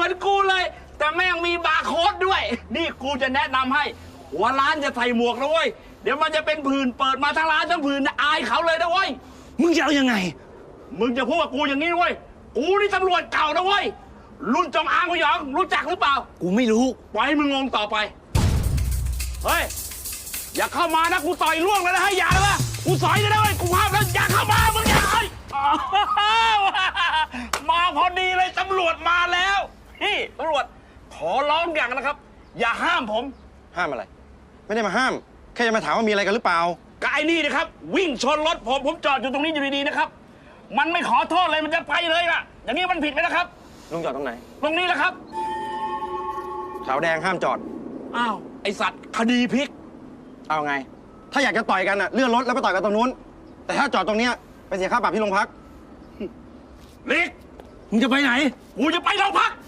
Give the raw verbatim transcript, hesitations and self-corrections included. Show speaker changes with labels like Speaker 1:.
Speaker 1: อนกูเลย แต่แม่งมีบาร์โค้ดด้วยนี่กูจะแนะนำให้หัวร้านจะใส่หมวกนะเว้ยเดี๋ยวมันจะเป็นผื่นเปิดมาทั้งร้านทั้งผื่นอายเขาเลยนะเว้ย
Speaker 2: มึงจะเอายังไง
Speaker 1: มึงจะพูดกับกูอย่างนี้เว้ยกูนี่ตำรวจเก่านะเว้ยรุ่นจงอางพยองรู้จักหรือเปล่า
Speaker 2: กูไม่รู้
Speaker 1: ปล่อยให้มึงงงต่อไปเฮ้ยอย่าเข้ามานะกูต่อยล่วงเลยนะให้อย่าเลยนะกูสอยเลยนะเว้ยกูห้ามแล้วอย่าเข้ามามึงอย่ามาพอดีเลยตำรวจมาแล้วพี่ตำรวจขอร้องอย่างนะครับอย่าห้ามผม
Speaker 3: ห้ามอะไรไม่ได้มาห้ามแค่จะมาถามว่ามีอะไรกันหรือเปล่า
Speaker 1: ก็ไอ้นี่นะครับวิ่งชนรถผมผมจอดอยู่ตรงนี้อยู่ดีๆนะครับมันไม่ขอโทษเลยมันจะไปเลยล่ะอย่างนี้มันผิดไหมนะครับ
Speaker 3: ลุงจอดตรงไหน
Speaker 1: ตรงนี้แหละครับ
Speaker 3: ขาวแดงห้ามจอด
Speaker 1: อ้าวไอสัตว์คดีพลิก
Speaker 3: เอาไงถ้าอยากจะต่อยกันอ่ะเลื่อนรถแล้วไปต่อยกันตรงนู้นแต่ถ้าจอดตรงเนี้ยไปเสียค่าปรับที่โรงพัก
Speaker 1: ลิก
Speaker 2: มึงจะไปไหน
Speaker 1: กูจะไปโรงพัก